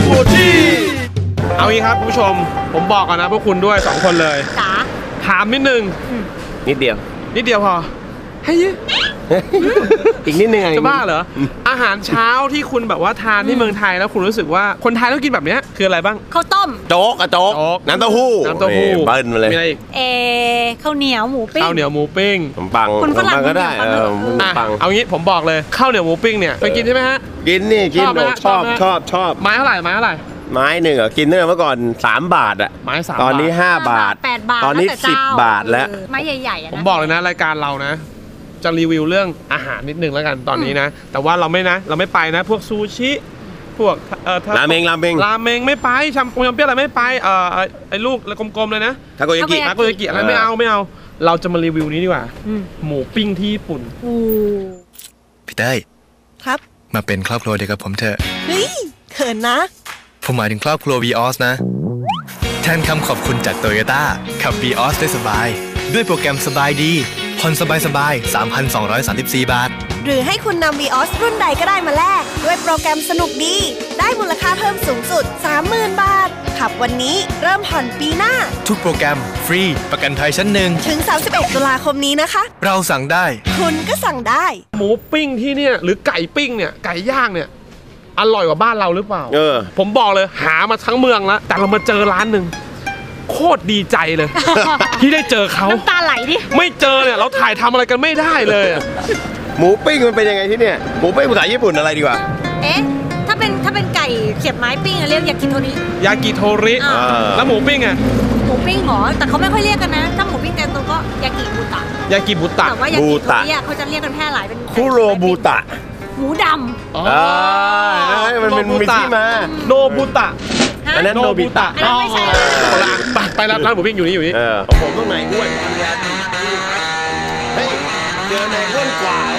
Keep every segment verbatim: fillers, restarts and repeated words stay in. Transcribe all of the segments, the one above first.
ฟูจิเอางี้ครับคุณผู้ชมผมบอกก่อนนะพวกคุณด้วยสองคนเลยจ๋าถามนิดนึงนิดเดียวนิดเดียวพอให้ยอีกนิดนึงจะบ้าเหรออาหารเช้าที่คุณแบบว่าทานที่เมืองไทยแล้วคุณรู้สึกว่าคนไทยต้องกินแบบนี้คืออะไรบ้างข้าวต้มโจ๊กอะโจ๊กน้ำเต้าหู้น้ำเต้าหู้เบิ้ลมาเลยมีอะไรอีกเอข้าวเหนียวหมูปิ้งข้าวเหนียวหมูปิ้งขนมปังคนฝรั่งก็ได้เออขนมปังเอางี้ผมบอกเลยข้าวเหนียวหมูปิ้งเนี่ยเคยกินใช่ไหมฮะกินนี่กินชอบชอบชอบไม้เท่าไหร่ไม้เท่าไหร่ไม้หนึ่งอะกินเนื้อเมื่อก่อนสามบาทอะไม้สามตอนนี้ห้าบาทแปดบาทตอนนี้สิบบาทแล้วไม้ใหญ่ๆผมบอกเลยนะรายการเรานะจะรีวิวเรื่องอาหารนิดนึงแล้วกันตอนนี้นะแต่ว่าเราไม่นะเราไม่ไปนะพวกซูชิพวกเอ่อราเมงราเมงราเมงไม่ไปชัมปงยำเปี้ยอะไรไม่ไปเอ่อไอ้ลูกกลมๆเลยนะทาโกยากิทาโกยากิอะไรไม่เอาไม่เอาเราจะมารีวิวนี้ดีกว่าหมูปิ้งที่ญี่ปุ่นพี่เต้ยครับมาเป็นครอบครัวเดียวกับผมเถอะเฮ้ยเขินนะผมหมายถึงครอบครัว วี ออส นะแทนคำขอบคุณจากโตโยต้าขับ วี ออส ได้สบายด้วยโปรแกรมสบายดีผ่อนสบายสบาย สามพันสองร้อยสามสิบสี่ บาทหรือให้คุณนำ วี ออส รุ่นใดก็ได้มาแลกด้วยโปรแกรมสนุกดีได้มูลค่าเพิ่มสูงสุด สามหมื่น บาทขับวันนี้เริ่มผ่อนปีหน้าทุกโปรแกรมฟรีประกันภัยชั้นหนึ่งถึงสามสิบเอ็ดตุลาคมนี้นะคะเราสั่งได้คุณก็สั่งได้หมูปิ้งที่เนี่ยหรือไก่ปิ้งเนี่ยไก่ย่างเนี่ยอร่อยกว่าบ้านเราหรือเปล่าเออผมบอกเลยหามาทั้งเมืองแล้วแต่เรามาเจอร้านหนึ่งโคตรดีใจเลยที่ได้เจอเขาน้ำตาไหลดิไม่เจอเนี่ยเราถ่ายทำอะไรกันไม่ได้เลยหมูปิ้งมันเป็นยังไงที่เนี่ยหมูปิ้งภาษาญี่ปุ่นอะไรดีกว่าเอ๊ะถ้าเป็นถ้าเป็นไก่เสียบไม้ปิ้งเรียกยากิโทริยากิโทริแล้วหมูปิ้งอ่ะหมูปิ้งหรอแต่เขาไม่ค่อยเรียกกันนะถ้าหมูปิ้งแกงตัวก็ยากิบูตะยากิบูตะแต่ว่ายากิโทริเขาจะเรียกกันแพร่หลายเป็นคุโรบูตะหมูดำอ๋อมันเป็นมีที่มาโนบุตะอันนั้นโนบิตะไม่ใช่ไปไปร้านร้านหมูปิ้งอยู่นี่อยู่นี่ผมต้องไหนอ้วนเฮ้ยเจอไหนอ้วนกว่า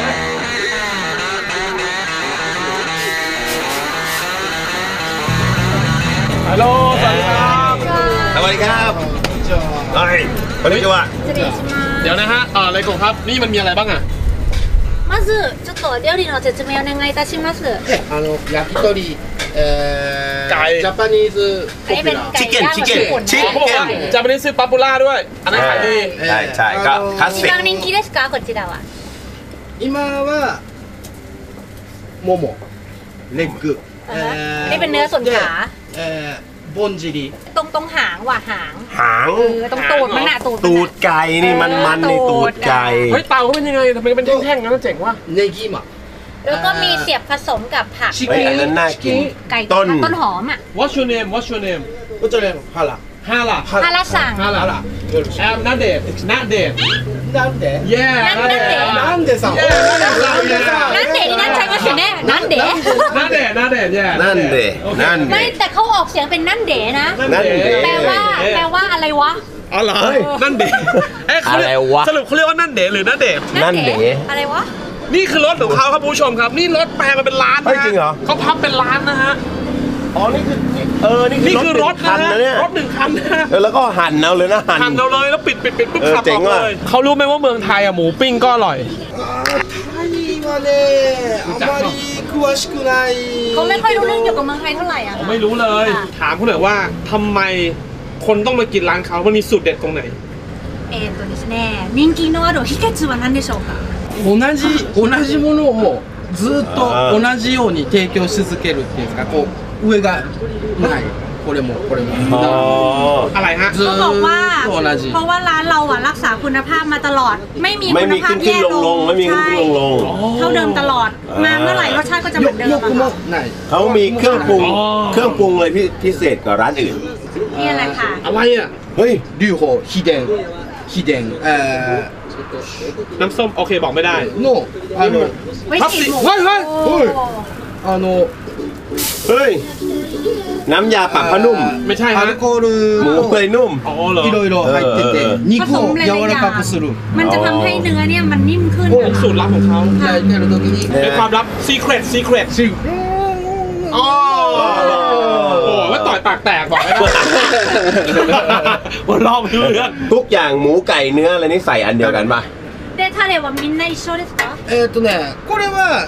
ฮัลโหลสวัสดีครับสวัสดีครับเฮ้ยคนนี้จะว่าเดี๋ยวนะฮะอ่าอะไรกงครับนี่มันมีอะไรบ้างอ่ะまずちょっと料理の説明お願いいたします。 あの焼き鳥、えー、ジャパニーズポピュラー。 チキンチキンチキン。 ジャパニーズป๊อปปูล่าด้วยอันนั้นขายดีใช่ใช่ก็คลาสสิก一番人気ですかこちらは。 今はもも、レッグ。 นี่เป็นเนื้อส่วนขาบนจีดีตรงตรงหางว่ะหางหางตรงตูดมันน่ะตูดตูดไก่นี่มันมันในตูดไก่เฮ้ยเตาเขาเป็นยังไงทำไมเป็นแท่งๆงั้นเจ๋งว่ะเนกิมะแล้วก็มีเสียบผสมกับผักเฮ้ยอันนั้นน่ากินไก่ต้นต้นหอมอ่ะ What's your name What's your name What's your name ฮาระฮาระฮาระสั่งฮาระแอมนาเดะนาเดะなんでแย่なんでさなんでนี่นั่นใช่ไหมเสียแน่นั่นเดะนั่นเดะนั่นเดะแย่นั่นเดะนั่นไม่แต่เขาออกเสียงเป็นนั่นเดะนะแปลว่าแปลว่าอะไรวะอ๋อเหรอนั่นเดะอะไรวะสรุปเขาเรียกว่านั่นเดะหรือนั่นเดะนั่นเดะอะไรวะนี่คือรถของเขาครับผู้ชมครับนี่รถแปลมาเป็นล้านนะจริงเหรอเขาพับเป็นล้านนะฮะอ๋อนี่คือเออนี่คือรถคันนะเนี่ยรถหนึ่งคันนะแล้วก็หั่นเอาเลยนะหั่นเอาเลยแล้วปิดปิดปิดปุ๊บขับออกเลยเขารู้ไหมว่าเมืองไทยอะหมูปิ้งก็อร่อยเขาไม่ค่อยรู้เรื่องเกี่ยวกับเมืองไทยเท่าไหร่อะไม่รู้เลยถามเขาหน่อยว่าทำไมคนต้องมากินร้านเขามันมีสูตรเด็ดตรงไหนえっとですね人気のある秘訣は何でしょうか同じ同じものをずっと同じように提供し続けるっていうんですかこう上がないこれもこれもอะไรฮะเขาบอกว่าเพราะว่าร้านเราอะรักษาคุณภาพมาตลอดไม่มีคุณภาพแย่ลงไม่มีขึ้นลงลงเท่าเดิมตลอดมาเมื่อไหร่รสชาติก็จะเหมือนเดิมเขามีเครื่องปรุงเครื่องปรุงเลยพิเศษกว่าร้านอื่นนี่อะไรค่ะอะไรอ่ะเฮ้ยリュウホ秘伝秘伝เอ่อน้ำส้มโอเคบอกไม่ได้โนあのพับสิเฮ้ยเฮ้ยเฮ้ยあのเฮ้ยน้ำยาปรับผ้านุ่มไม่ใช่ฮะアルコールหมูเปื่อยนุ่มいろいろ入ってて肉を柔らかくするมันจะทำให้เนื้อเนี่ยมันนิ่มขึ้นเป็นสูตรลับของเขาเป็นความลับ secret secret อ๋อโอ้ว่าต่อยปากแตกบอกไม่ได้ว่าลองไม่รู้เรื่องทุกอย่างหมูไก่เนื้ออะไรนี่ใส่อันเดียวกันป่ะでタレはみんな一緒ですかえっとねこれは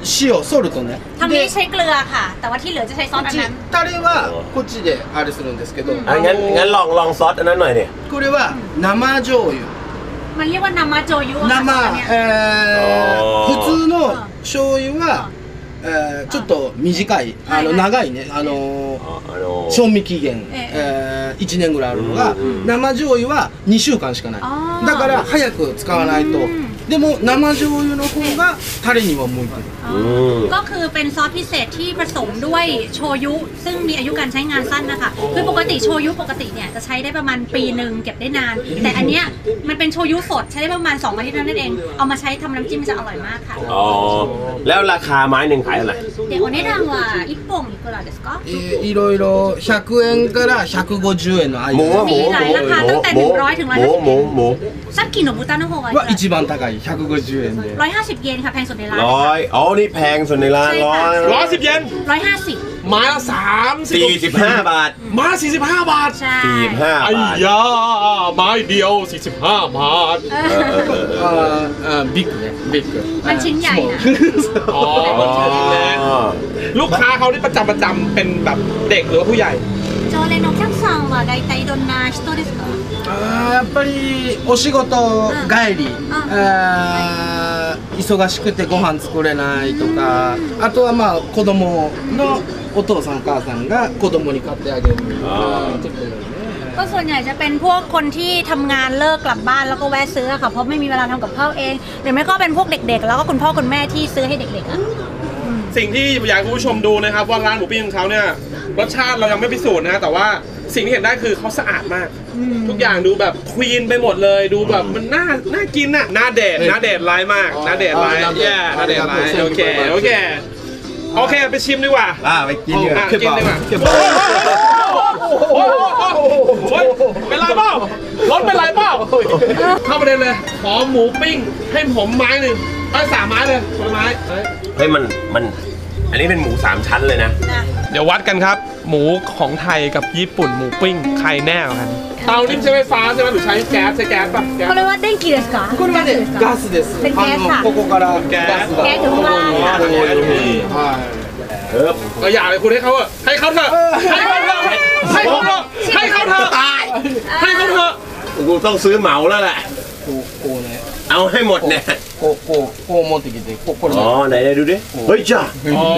塩ソルトねทางนี้ใช้เกลือค่ะ แต่ว่าที่เหลือจะใช้ซอสอันนั้นタレはこっちであれするんですけどอ่ะงั้นงั้นลองลองซอสอันนั้นหน่อยดิこれは生醤油มันเรียกว่านามาโจยุอะค่ะซอสอันเนี้ย生、えー、普通の醤油は、えー、ちょっと短いあの長いねあのอ๋อあの賞味期限、えー、いちねんぐらいあるのが生醤油はにしゅうかんしかないだから早く使わないとでも生醤油の方がタレには向いてるก็คือเป็นซอสพิเศษที่ผสมด้วยโชยุซึ่งมีอายุการใช้งานสั้นนะคะคือปกติโชยุปกติเนี่ยจะใช้ได้ประมาณปีหนึ่งเก็บได้นาน แต่อันเนี้ยมันเป็นโชยุสดใช้ได้ประมาณสองอาทิตย์นั่นเองเอามาใช้ทำน้ำจิ้มมันจะอร่อยมากค่ะอ๋อแล้วราคาไม้หนึ่งขายเท่าไหร่เดี๋ยวお値段は一本いくらですかえーいろいろひゃくえんからひゃくごじゅうえんの間หมูอะหมูมีหลายราคาตั้งแต่หนึ่งร้อยถึงร้อยหมูห้าสิบหมูหมูซักกิโนบุตาโนโฮะは一番高いひゃくごじゅうえんでร้อยห้าสิบเยนค่ะแพงสุดในร้านร้อยอ๋อนี่แพงสุดในร้านใช่ร้อค่ะยร้อยสิบเยนร้อยห้าสิบไม้ละสามสิบสี่สิบห้าบาทไม้สี่สิบห้าบาทใช่สี่สิบห้าไอ้บาทยาไม้เดียวสี่สิบห้าบาทเอเอออเออเออあーあービッグねビッグมันชิ้นใหญ่นะอ๋ออ๋อลูกค้าเขาที่ประจำประจำเป็นแบบเด็กหรือว่าผู้ใหญ่โจเลนโอแคมซังว่า大体どんな人ですかあーやっぱりお仕事帰り、あー忙しくてご飯作れないとかあとはまあ子供のお父さんお母さんが子供に買ってあげるあーちょっとねก็ส่วนใหญ่จะเป็นพวกคนที่ทำงานเลิกกลับบ้านแล้วก็แวะซื้อค่ะเพราะไม่มีเวลาทำกับข้าวเองหรือไม่ก็เป็นพวกเด็กๆ แล้วก็คุณพ่อคุณแม่ที่ซื้อให้เด็กๆอ่ะสิ่งที่อยากให้คุณผู้ชมดูนะครับว่าร้านหมูปิ้งของเขาเนี่ยรสชาติเรายังไม่พิสูจน์นะแต่ว่าสิ่งที่เห็นได้คือเขาสะอาดมาก ทุกอย่างดูแบบควีนไปหมดเลยดูแบบมันน่าน่ากินน่ะน่าเดทน่าเดทไลน์มากน่าเดทไลน์แย่น่าเดทไลน์โอเคโอเคโอเคไปชิมดีกว่าอ่าไปกินดีกว่าอ่ะกินดีกว่าโอ้โหโอ้โหเป็นไรเปล่ารถเป็นไรเปล่าเข้าประเด็นเลยขอหมูปิ้งให้ผมไม้หนึ่งเอาสามไม้เลยคนละไม้เฮ้ยมันมันอันนี้เป็นหมูสามชั้นเลยนะเดี๋ยววัดกันครับ หมูของไทยกับญี่ปุ่นหมูปิ้งใครแน่กว่ากันเตานี่ใช้ไฟฟ้าใช่ไหมหรือใช้แก๊สใช้แก๊สป่ะแก๊สเขาเรียกว่าเด้งกีですかこれはねガスですเป็นแก๊สค่ะあのここからガスガスがแก๊สอยู่ข้างล่างค่ะはいเออก็อย่าเลยคุณให้เขาเถอะให้เขาเถอะให้เขาเถอะให้เขาเถอะให้เขาเถอะตายให้เขาเถอะกูต้องซื้อเหมาแล้วแหละこうこうねเอาให้หมดเนี่ยこうこうこう持ってきてここれอ๋อไหนไหนดูดิเฮ้ยจ้าอ๋อ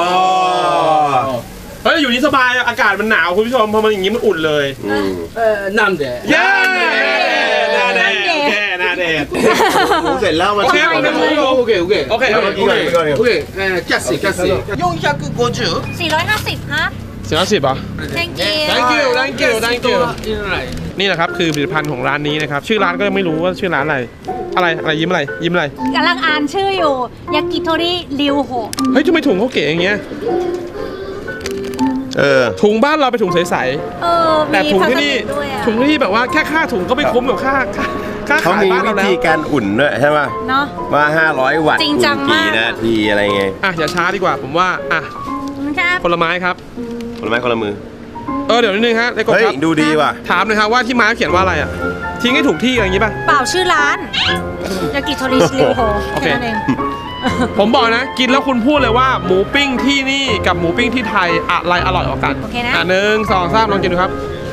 เฮ้ยอยู่นี่สบายอากาศมันหนาวคุณผู้ชมพอมันอย่างนี้มันอุ่นเลยえーなんでเย้หน้าแดงโอเคหน้าแดงหมูเสร็จแล้วมาโอเคชิมโอกันเคนะオッケーオッケーโอเคโอเคกินก่อนกินก่อนオッケーえーキャッシーキャッシーよんひゃくごじゅうสี่ร้อยห้าสิบครับเสียสิบอ่ะ thank you thank you thank you thank you นี่แหละครับคือผลิตภัณฑ์ของร้านนี้นะครับชื่อร้านก็ยังไม่รู้ว่าชื่อร้านอะไรอะไรอะไรยิ้มอะไรยิ้มอะไรกำลังอ่านชื่ออยู่ยากิโทริริวโฮเฮ้ยทำไมถุงเขาเก๋อย่างเงี้ยเออถุงบ้านเราเป็นถุงใสเออๆแต่มีถุงพลาสที่ตินี่กด้วยอะถุงที่แบบว่าแค่ค่าถุงก็ไม่คุ้มกับค่าค่าค่าเขาขายมีบ้านวิเราแล้วธีการอุ่นด้วยใช่ป่ะเนาะว่าห้าร้อยวัตต์จริงจังอุ่นกี่มากนาทีอะไรไงอ่ะอย่าช้าดีกว่าผมว่าอ่ะครับคนละไม้ครับคนละไม้คนละมือเออเดี๋ยวนิดนึงฮะในกบเฮ้ยครับดูดีว่ะถามหน่อยครับว่าที่ไม้เขียนว่าอะไรอ่ะทิ้งให้ถูกที่อะไรอย่างงี้ป่ะเปล่าชื่อร้านยากิโทริริวโฮโอเคแค่นั้นเองผมบอกนะกินแล้วคุณพูดเลยว่าหมูปิ้งที่นี่กับหมูปิ้งที่ไทยอะไรอร่อยกว่ากันโอเคนะอ่ะหนึ่งสองสามลองกินดูครับ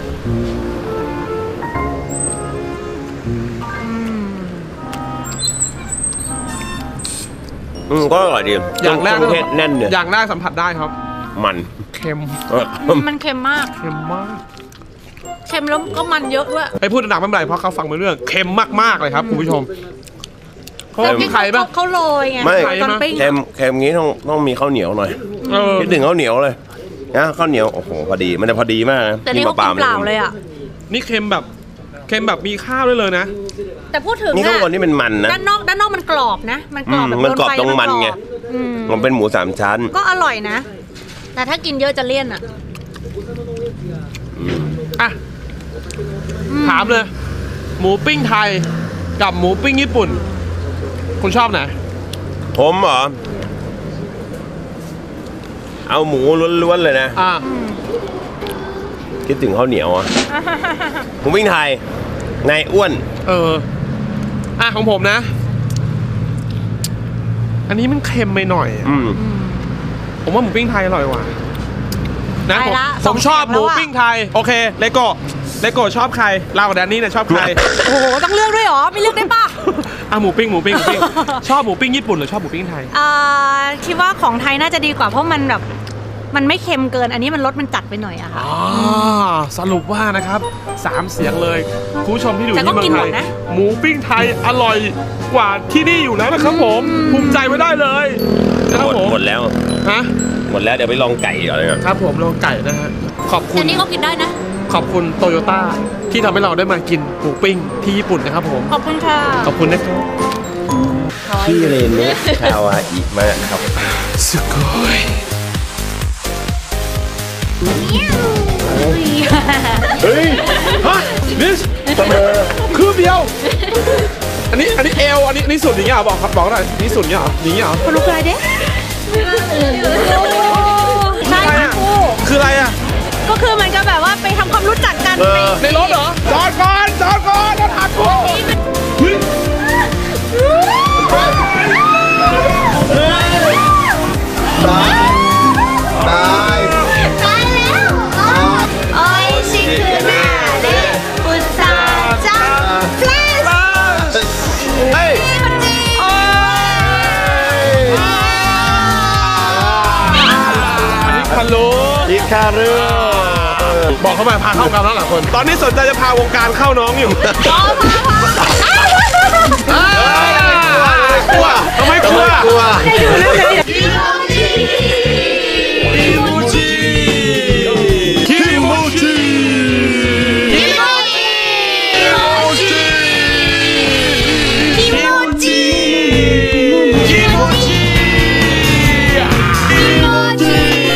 อืมก็อร่อยดีอย่างแรกเครื่องเทศแน่นเนี่ยอย่างแรกสัมผัสได้ครับมันเค็มเออมันเค็มมากเค็มมากเค็มแล้วก็มันเยอะด้วยไอ้พูดดังๆไม่เป็นไรเพราะเขาฟังไม่รู้เรื่องเค็มมากๆเลยครับคุณผู้ชมเขามีไข่ปะเขาโรยไงไม่โรยตอนปิ้งเค็มเค็มงี้ต้องต้องมีข้าวเหนียวหน่อยเออคิดถึงข้าวเหนียวเลยนะข้าวเหนียวโอ้โหพอดีมันจะพอดีมากนะแต่นี่เขากินเปล่าเลยอ่ะนี่เค็มแบบเค็มแบบมีข้าวด้วยเลยนะแต่พูดถึงนี่ข้างอะบนนี่เป็นมันนะด้านนอกด้านนอกมันกรอบนะ มันกรอบอืมแบบมันกรอบโดไฟตรงมันแล้วไงกรอบอืมมันเป็นหมูสามชั้นก็อร่อยนะ แต่ถ้ากินเยอะจะเลี่ยนอ่ะอ่ะถามเลย หมูปิ้งไทยกับหมูปิ้งญี่ปุ่น คุณชอบไหนผมเหรอ เอาหมูล้วนๆเลยนะอ่ะคิดถึงข้าวเหนียวอ่ะ หมูปิ้งไทยนายอ้วนเอออ่ะของผมนะอันนี้มันเค็มไปหน่อยอะอืมผมว่าหมูปิ้งไทยอร่อยกว่านะไปผมละผมสองชอบแถวหแล้วมูอะปิ้งไทยโอเคเลโก้เลโก้ชอบใครเรากับแดนนี่เนี่ยชอบใครโอ้โหต้องเลือกด้วยเหรอไม่เลือกได้ปะอ่ะหมูปิ้งหมูปิ้งหมูปิ้ง ชอบหมูปิ้งญี่ปุ่นหรือชอบหมูปิ้งไทยอ่าคิดว่าของไทยน่าจะดีกว่าเพราะมันแบบมันไม่เค็มเกินอันนี้มันรสมันจัดไปหน่อยอะค่ะอ๋อสรุปว่านะครับสามเสียงเลยคุณผู้ชมที่อยู่แต่ก็ที่เมือกินงไทหมยดนะหมูปิ้งไทยอร่อยกว่าที่นี่อยู่แล้วนะครับผมภูมิใจไว้ได้เลยนะคหรับมดผมหมดแล้วฮะหมดแล้วเดี๋ยวไปลองไก่ก่อนเลยครับครับผมลองไก่นะฮะขอบคุณอันนี้ก็กินได้นะขอบคุณโตโยต้าที่ทำให้เราได้มากินหมูปิ้งที่ญี่ปุ่นนะครับผมขอบคุณค่ะขอบคุณนะครับพี่เรนเนะคาวาอิมากครับสุโกยเฮ้ยฮะนิสเสมอคือเดียว อันนี้อันนี้เอวอันนี้นี่สุดอย่างเงี้ยเหรอบอกครับบอกหน่อยนี่สุดอย่างเงี้ยเหรออย่างเงี้ยเหรอคุณรู้อะไรเด้ใช่ค่ะครูคืออะไรอ่ะก็คือมันก็แบบว่าไปทำความรู้จักกันเออในรถเหรอจอดก่อนจอดก่อนรถหักโค้งเฮ้ยตายตายตายแล้วโอ้ยชิคือหน้าเด็กอุตส่าห์จังเฟลชเฮ้ยโอ้ยอันนี้คันรู้อีคาเรือบอกเขามาพาเข้ากันแล้วหลายคน ตอนนี้สนใจจะพาวงการเข้าน้องอยู่พอพอพอกลัวทำไมกลัวกลัวคิมูจิคิมูจิคิมูจิคิมูจิคิมูจิคิมูจิ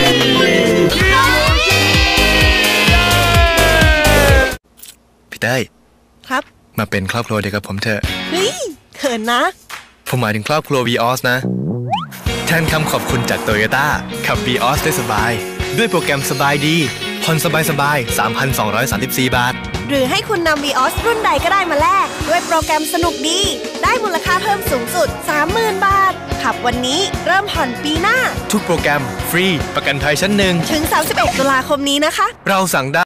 พี่เต้ยครับมาเป็นครอบครัวเดียวกับผมเถอะเฮ้ยเขินนะผมหมายถึงครอบครัว วี ออส นะ แทนคำขอบคุณจากโตโยต้าขับ วี ออส ได้สบาย ด้วยโปรแกรมสบายดีผ่อนสบายสบาย สามพันสองร้อยสามสิบสี่ บาทหรือให้คุณนำ วี ออส รุ่นใดก็ได้มาแลกด้วยโปรแกรมสนุกดี ได้มูลค่าเพิ่มสูงสุด สามหมื่น บาท ขับวันนี้เริ่มผ่อนปีหน้าทุกโปรแกรมฟรีประกันภัยชั้นหนึ่งถึง สามสิบเอ็ด ตุลาคมนี้นะคะเราสั่งได้